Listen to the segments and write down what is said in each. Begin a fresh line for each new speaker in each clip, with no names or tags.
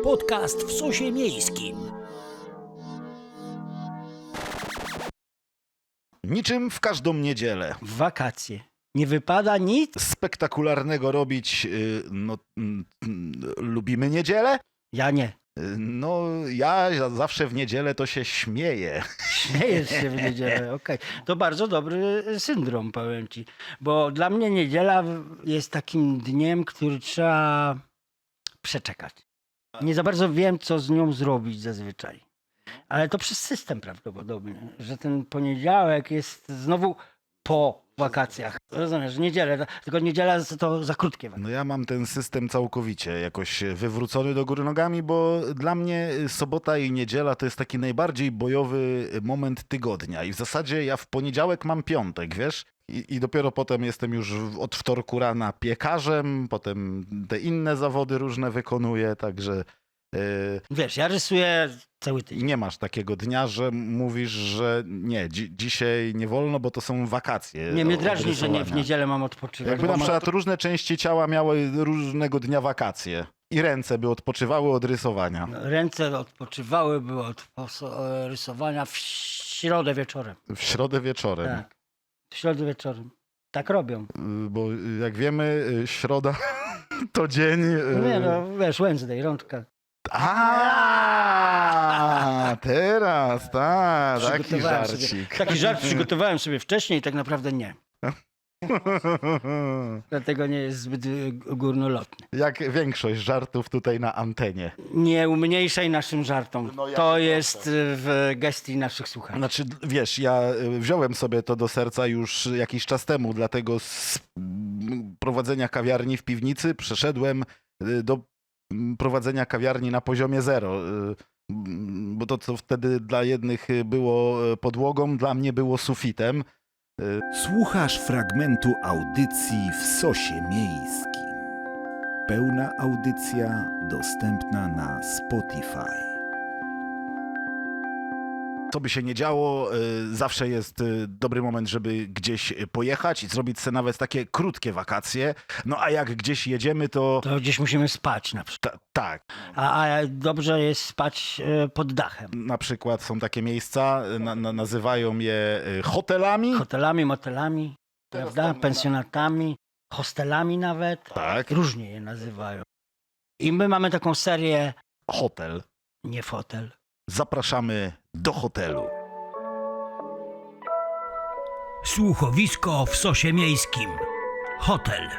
Podcast w sosie miejskim.
Niczym w każdą niedzielę.
W wakacje. Nie wypada nic?
Spektakularnego robić, lubimy niedzielę?
Ja nie.
No, ja zawsze w niedzielę to się śmieję.
Śmiejesz się w niedzielę, okej. To bardzo dobry syndrom, powiem ci. Bo dla mnie niedziela jest takim dniem, który trzeba przeczekać. Nie za bardzo wiem, co z nią zrobić zazwyczaj. Ale to przez system prawdopodobnie, że ten poniedziałek jest znowu po wakacjach. Rozumiesz, niedzielę, tylko niedziela to za krótkie wakacje.
No ja mam ten system całkowicie jakoś wywrócony do góry nogami, bo dla mnie sobota i niedziela to jest taki najbardziej bojowy moment tygodnia. I w zasadzie ja w poniedziałek mam piątek, wiesz? I dopiero potem jestem już od wtorku rana piekarzem, potem te inne zawody różne wykonuję, także...
Wiesz, ja rysuję cały tydzień.
Nie masz takiego dnia, że mówisz, że nie, dzisiaj nie wolno, bo to są wakacje.
Nie, mnie drażni,
od
że nie, w
rysowania.
niedzielę mam odpoczywać.
Jakby
bo
na
mam-
przykład różne części ciała miały różnego dnia wakacje i ręce by odpoczywały od rysowania.
Ręce odpoczywały od rysowania w środę wieczorem.
W środę wieczorem.
Tak. W środę wieczorem. Tak robią.
Bo jak wiemy, środa to dzień...
Nie no, wiesz, Wednesday, rączka.
A, teraz, tak, taki
Przygotowałem sobie-
żarcik.
Taki żart przygotowałem sobie wcześniej, tak naprawdę nie. Dlatego nie jest zbyt górnolotny.
Jak większość żartów tutaj na antenie.
Nie umniejszaj naszym żartom.
No ja
To
się
jest w gestii naszych słuchaczy.
Znaczy, wiesz, ja wziąłem sobie to do serca już jakiś czas temu, dlatego z prowadzenia kawiarni w piwnicy przeszedłem do prowadzenia kawiarni na poziomie zero. Bo to, co wtedy dla jednych było podłogą, dla mnie było sufitem.
Słuchasz fragmentu audycji w Sosie Miejskim. Pełna audycja dostępna na Spotify.
Co by się nie działo, zawsze jest dobry moment, żeby gdzieś pojechać i zrobić sobie nawet takie krótkie wakacje. No a jak gdzieś jedziemy, to...
To gdzieś musimy spać na przykład.
Tak.
A dobrze jest spać pod dachem.
Na przykład są takie miejsca, nazywają je hotelami.
Hotelami, motelami, prawda? Pensjonatami, hostelami nawet.
Tak,
Różnie je nazywają. I my mamy taką serię
hotel.
nie fotel.
Zapraszamy do hotelu.
Słuchowisko w sosie miejskim. Hotel.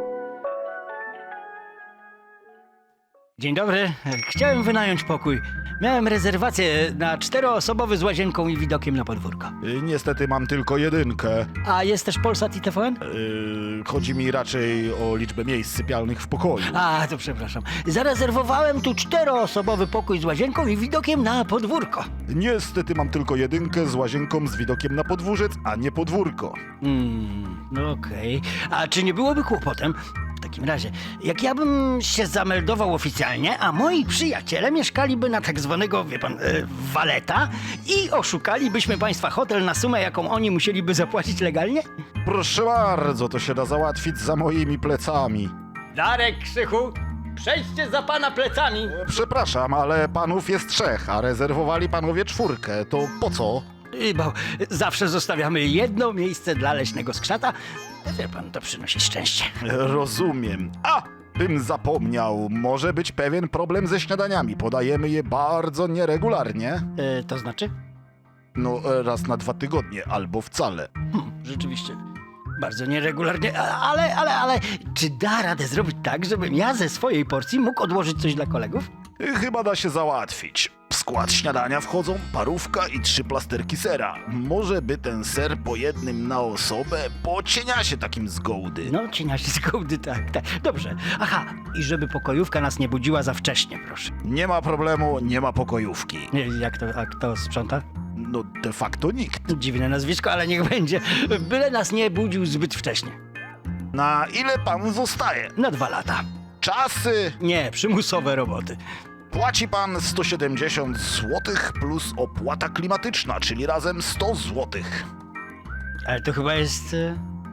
Dzień dobry. Chciałem wynająć pokój. Miałem rezerwację na 4-osobowy z łazienką i widokiem na podwórko.
Niestety mam tylko jedynkę.
A jest też Polsat i TVN?
Chodzi mi raczej o liczbę miejsc sypialnych w pokoju.
A, to przepraszam. Zarezerwowałem tu 4-osobowy pokój z łazienką i widokiem na podwórko.
Niestety mam tylko jedynkę z łazienką z widokiem na podwórzec, a nie podwórko.
No okej. A czy nie byłoby kłopotem? W takim razie, jak ja bym się zameldował oficjalnie, a moi przyjaciele mieszkaliby na tak zwanego, wie pan, waleta i oszukalibyśmy państwa hotel na sumę, jaką oni musieliby zapłacić legalnie?
Proszę bardzo, to się da załatwić za moimi plecami.
Darek, Krzychu, przejdźcie za pana plecami.
Przepraszam, ale panów jest 3, a rezerwowali panowie 4. To po co?
Bo zawsze zostawiamy jedno miejsce dla leśnego skrzata. Wie pan, to przynosi szczęście.
Rozumiem. A! Bym zapomniał, może być pewien problem ze śniadaniami. Podajemy je bardzo nieregularnie.
To znaczy?
No, raz na 2 tygodnie, albo wcale.
Rzeczywiście. Bardzo nieregularnie, ale czy da radę zrobić tak, żebym ja ze swojej porcji mógł odłożyć coś dla kolegów?
Chyba da się załatwić. W skład śniadania wchodzą parówka i 3 plasterki sera. Może by ten ser po jednym na osobę, bo cienia się takim z gołdy.
No, cienia się z gołdy, tak. Dobrze. Aha, i żeby pokojówka nas nie budziła za wcześnie, proszę.
Nie ma problemu, nie ma pokojówki.
Jak to sprząta?
No, de facto nikt.
Dziwne nazwisko, ale niech będzie. Byle nas nie budził zbyt wcześnie.
Na ile pan zostaje?
Na 2 lata.
Czasy.
Nie, przymusowe roboty.
Płaci pan 170 zł plus opłata klimatyczna, czyli razem 100 zł.
Ale to chyba jest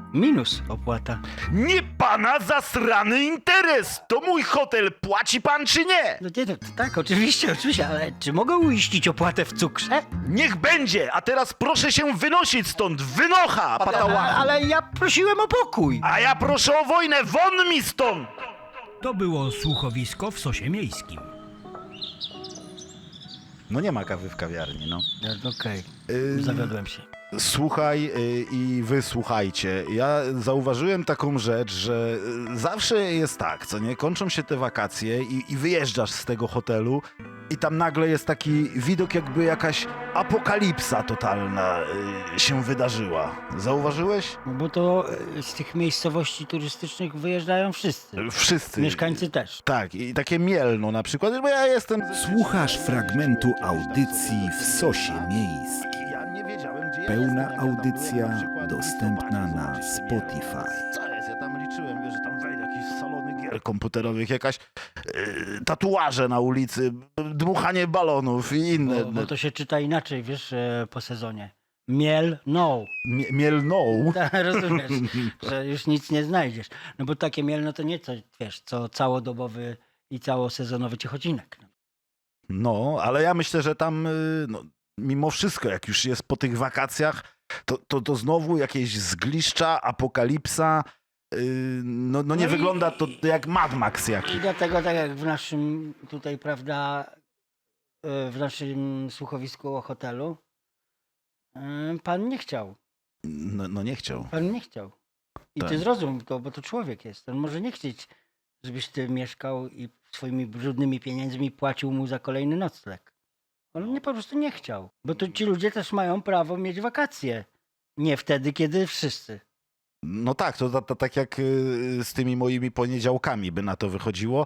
Minus opłata.
Nie pana zasrany interes! To mój hotel, płaci pan czy nie?
No nie, to tak, oczywiście, ale czy mogę uiścić opłatę w cukrze?
Niech będzie, a teraz proszę się wynosić stąd, wynocha, patała!
Ale ja prosiłem o pokój.
A ja proszę o wojnę, won mi stąd!
To było słuchowisko w Sosie Miejskim.
No nie ma kawy w kawiarni, no.
No, okej, zawiodłem się.
Słuchaj i wysłuchajcie. Ja zauważyłem taką rzecz, że zawsze jest tak, co nie? Kończą się te wakacje i wyjeżdżasz z tego hotelu i tam nagle jest taki widok, jakby jakaś apokalipsa totalna się wydarzyła. Zauważyłeś?
No bo to z tych miejscowości turystycznych wyjeżdżają wszyscy.
Wszyscy.
Mieszkańcy też.
Tak, i takie Mielno na przykład, bo ja jestem...
Słuchasz fragmentu audycji w Sosie Miejskim.
Ja nie wiedziałem, gdzie ja
Pełna
jestem, jak ja tam byłem,
audycja
na przykład
dostępna
w
na
listopadzie,
Spotify.
zobaczycie, co jest, ja tam liczyłem, wiesz, że tam wejdę jakieś salony gier komputerowych, jakaś tatuaże na ulicy, dmuchanie balonów i inne.
Bo to się czyta inaczej, wiesz, po sezonie. Miel, no.
Mielną.
Rozumiesz, że już nic nie znajdziesz. No bo takie mielno to nie co, wiesz, co całodobowy i całosezonowy ciechocinek.
No, ale ja myślę, że tam no, mimo wszystko, jak już jest po tych wakacjach, to znowu jakieś zgliszcza, apokalipsa. No nie
No i-
wygląda to jak Mad Max jakiś.
I dlatego tak jak w naszym tutaj, prawda, w naszym słuchowisku o hotelu, pan nie chciał.
No nie chciał.
Pan nie chciał. I
Tak.
ty zrozum to, bo to człowiek jest. On może nie chcieć, żebyś ty mieszkał i swoimi brudnymi pieniędzmi płacił mu za kolejny nocleg. On po prostu nie chciał. Bo to ci ludzie też mają prawo mieć wakacje. Nie wtedy, kiedy wszyscy.
No tak, to tak jak z tymi moimi poniedziałkami by na to wychodziło.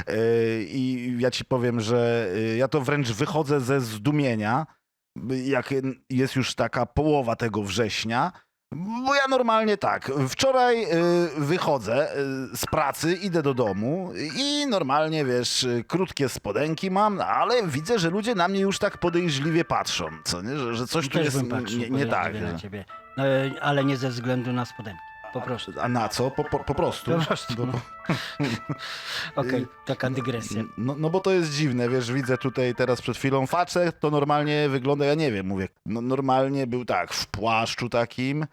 I ja ci powiem, że ja to wręcz wychodzę ze zdumienia, jak jest już taka połowa tego września. Bo ja normalnie tak, wczoraj wychodzę z pracy, idę do domu i normalnie, wiesz, krótkie spodenki mam, ale widzę, że ludzie na mnie już tak podejrzliwie patrzą, co nie? Że coś tu
Też
jest
bym patrzył
nie tak.
podejrzliwie na
że-
ciebie. No, ale nie ze względu na spodenki. Po prostu.
A na co? Po prostu.
Po prostu.
Bo-
Okej, taka dygresja.
No bo to jest dziwne, wiesz, widzę tutaj teraz przed chwilą facet, to normalnie wygląda, ja nie wiem, mówię, no normalnie był tak, w płaszczu takim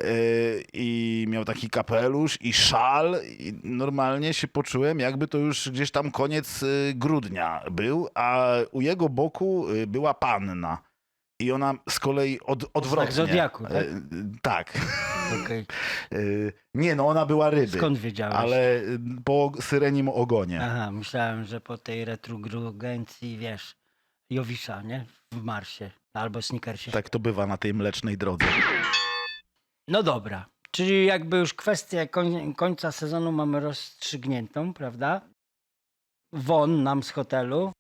i miał taki kapelusz i szal i normalnie się poczułem, jakby to już gdzieś tam koniec grudnia był, a u jego boku była panna. I ona z kolei odwrotnie.
zodiaku, tak?
Tak.
Okej.
Nie, no ona była ryby.
Skąd wiedziałeś?
Ale po syrenim ogonie.
Aha, myślałem, że po tej retrogencji, wiesz, Jowisza, nie? W Marsie albo Snickersie.
Tak to bywa na tej mlecznej drodze.
No dobra, czyli jakby już kwestię końca sezonu mamy rozstrzygniętą, prawda? Won nam z hotelu.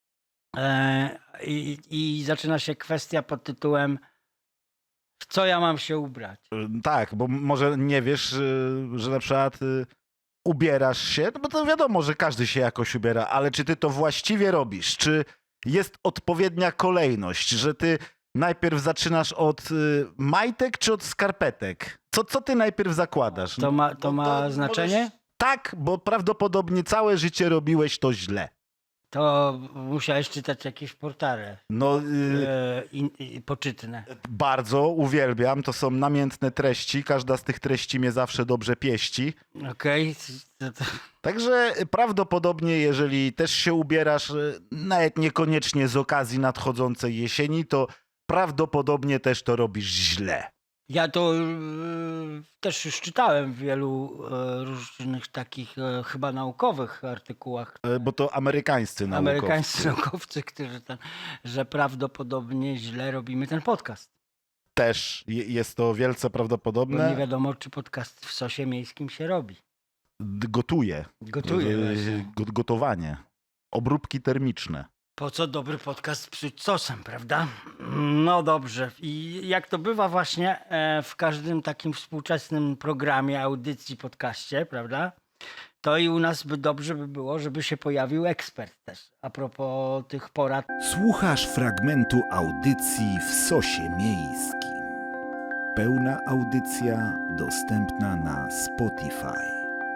I zaczyna się kwestia pod tytułem w co ja mam się ubrać?
Tak, bo może nie wiesz, że na przykład ubierasz się, no bo to wiadomo, że każdy się jakoś ubiera, ale czy ty to właściwie robisz? Czy jest odpowiednia kolejność, że ty najpierw zaczynasz od majtek czy od skarpetek? Co ty najpierw zakładasz?
To ma znaczenie?
Tak, bo prawdopodobnie całe życie robiłeś to źle.
To musiałeś czytać jakieś portale
No,
poczytne.
bardzo uwielbiam, to są namiętne treści, każda z tych treści mnie zawsze dobrze pieści.
Okej.
Także prawdopodobnie, jeżeli też się ubierasz, nawet niekoniecznie z okazji nadchodzącej jesieni, to prawdopodobnie też to robisz źle.
Ja to też już czytałem w wielu różnych takich chyba naukowych artykułach.
Bo to amerykańscy naukowcy.
Amerykańscy naukowcy, którzy że prawdopodobnie źle robimy ten podcast.
Też jest to wielce
Bo nie
prawdopodobne.
wiadomo, czy podcast w Sosie Miejskim się robi.
Gotuje.
Gotuję właśnie.
Gotowanie. Obróbki termiczne.
Po co dobry podcast psuć sosem, prawda? No dobrze. I jak to bywa właśnie w każdym takim współczesnym programie, audycji, podcaście, prawda? To i u nas dobrze by było, żeby się pojawił ekspert też. A propos tych porad.
Słuchasz fragmentu audycji w Sosie Miejskim. Pełna audycja dostępna na Spotify.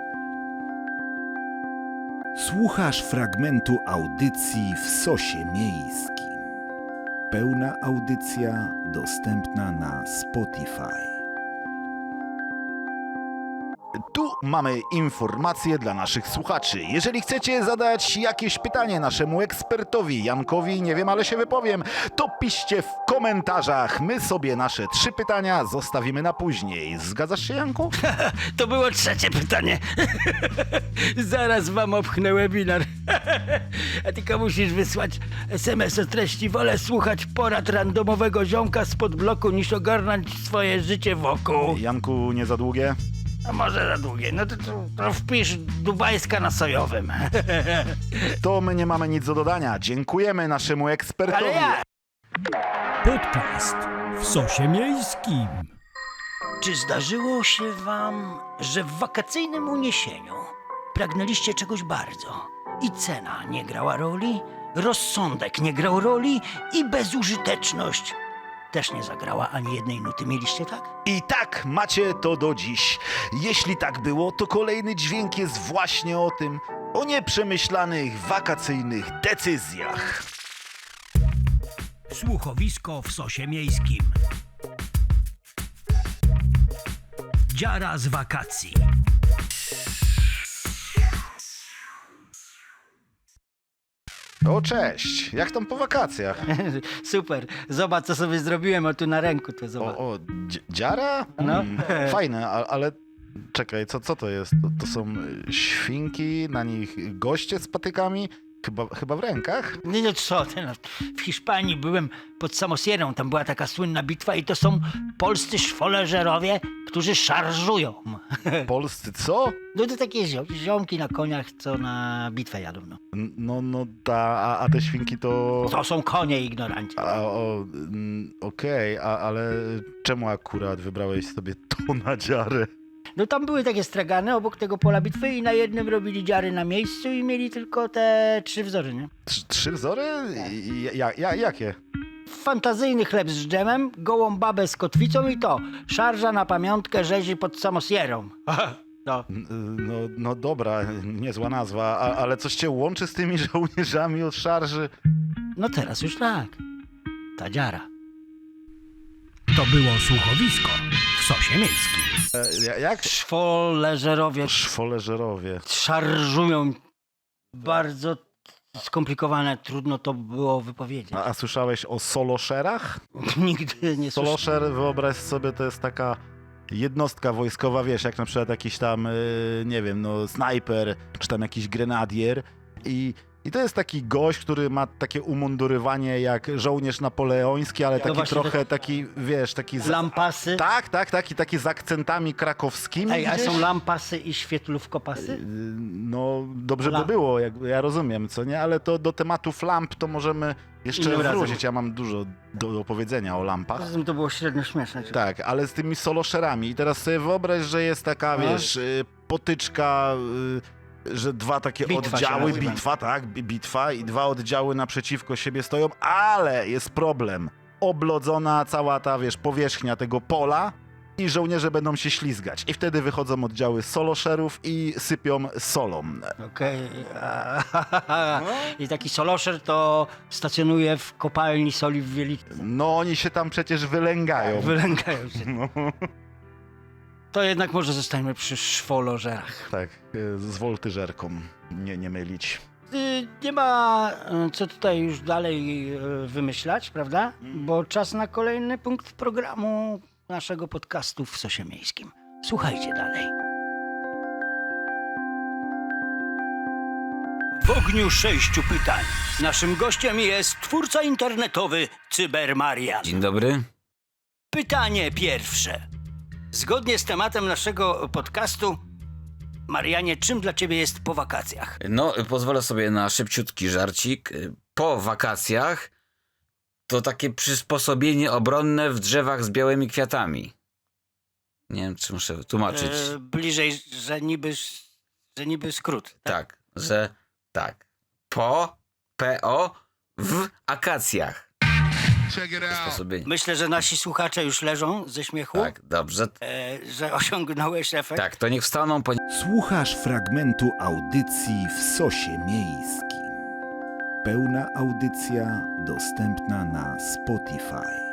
Słuchasz fragmentu audycji w Sosie Miejskim. Pełna audycja dostępna na Spotify.
Tu mamy informacje dla naszych słuchaczy. Jeżeli chcecie zadać jakieś pytanie naszemu ekspertowi Jankowi, nie wiem, ale się wypowiem, to piszcie w komentarzach. My sobie nasze 3 pytania zostawimy na później. Zgadzasz się, Janku?
To było trzecie pytanie. Zaraz wam opchnę webinar. A tylko musisz wysłać SMS o treści: wolę słuchać porad randomowego ziomka spod bloku niż ogarnąć swoje życie wokół.
Janku, nie za długie?
A może za długie? No to wpisz dubajska na sojowym.
To my nie mamy nic do dodania. Dziękujemy naszemu ekspertowi.
Ale ja...
Podcast w Sosie Miejskim.
Czy zdarzyło się wam, że w wakacyjnym uniesieniu pragnęliście czegoś bardzo i cena nie grała roli, rozsądek nie grał roli i bezużyteczność też nie zagrała ani jednej nuty? Mieliście tak?
I tak macie to do dziś. Jeśli tak było, to kolejny dźwięk jest właśnie o tym, o nieprzemyślanych wakacyjnych decyzjach.
Słuchowisko w Sosie Miejskim. Dziara z wakacji.
O, cześć. Jak tam po wakacjach?
Super. Zobacz, co sobie zrobiłem. O, tu na ręku to zobacz.
Dziara?
No.
Fajne, ale czekaj, co to jest? To są świnki, na nich goście z patykami? Chyba w rękach?
Nie, no co ty, no. W Hiszpanii byłem pod Samosierą, tam była taka słynna bitwa i to są polscy szwoleżerowie, którzy szarżują.
Polscy co?
No to takie ziomki na koniach, co na bitwę jadą, no.
A te świnki to...
To są konie, ignoranci.
Okej, ale czemu akurat wybrałeś sobie to na dziarę?
No tam były takie stragany obok tego pola bitwy i na jednym robili dziary na miejscu i mieli tylko te 3 wzory, nie?
3 wzory? Jakie?
Fantazyjny chleb z dżemem, gołą babę z kotwicą i to. Szarża na pamiątkę rzezi pod Samosierą. No.
No dobra, niezła nazwa, ale coś cię łączy z tymi żołnierzami od szarży?
No teraz już tak. Ta dziara.
To było słuchowisko w Sosie Miejskim.
Jak?
Szwoleżerowie
Szwoleżerowie.
szarżują. Bardzo skomplikowane, trudno to było wypowiedzieć.
A słyszałeś o soloszerach?
Nigdy nie słyszałem.
Soloszer, wyobraź sobie, to jest taka jednostka wojskowa, wiesz, jak na przykład jakiś tam, nie wiem, no snajper, czy tam jakiś grenadier i to jest taki gość, który ma takie umundurowanie jak żołnierz napoleoński, ale taki
właśnie
trochę taki, wiesz, taki...
Lampasy.
Tak, i taki z akcentami krakowskimi.
Ej, a
gdzieś.
są lampasy i świetlówkopasy?
No, dobrze by
Lamp.
było, ja rozumiem, co nie? Ale to do tematów lamp to możemy jeszcze
Innym razem.
wrócić. Ja mam dużo do powiedzenia o lampach.
Poza tym to było średnio śmieszne.
Tak, ale z tymi soloszerami. I teraz sobie wyobraź, że jest taka,
No.
wiesz, potyczka, że 2 takie
Bitwa się
oddziały,
nazywa.
bitwa i 2 oddziały naprzeciwko siebie stoją, ale jest problem. Oblodzona cała ta, wiesz, powierzchnia tego pola i żołnierze będą się ślizgać. I wtedy wychodzą oddziały soloszerów i sypią solą.
Okej. I taki soloszer to stacjonuje w kopalni soli w Wieliczce.
No oni się tam przecież wylęgają.
Wylęgają się.
No,
To jednak może zostańmy przy szwolożerach.
tak, z woltyżerką, nie mylić.
Nie ma co tutaj już dalej wymyślać, prawda? Bo czas na kolejny punkt programu naszego podcastu w Sosie Miejskim. Słuchajcie dalej. W ogniu 6 pytań. Naszym gościem jest twórca internetowy Cybermarian.
Dzień dobry.
Pytanie pierwsze. Zgodnie z tematem naszego podcastu, Marianie, czym dla ciebie jest po wakacjach?
No, pozwolę sobie na szybciutki żarcik. Po wakacjach to takie przysposobienie obronne w drzewach z białymi kwiatami. Nie wiem, czy muszę tłumaczyć.
Bliżej, że niby skrót.
Tak, po, w akacjach. Przysposobienie.
Myślę, że nasi słuchacze już leżą ze śmiechu,
Tak, dobrze.
że osiągnąłeś efekt.
Tak, to niech wstaną,
Słuchasz fragmentu audycji w Sosie Miejskim. Pełna audycja dostępna na Spotify.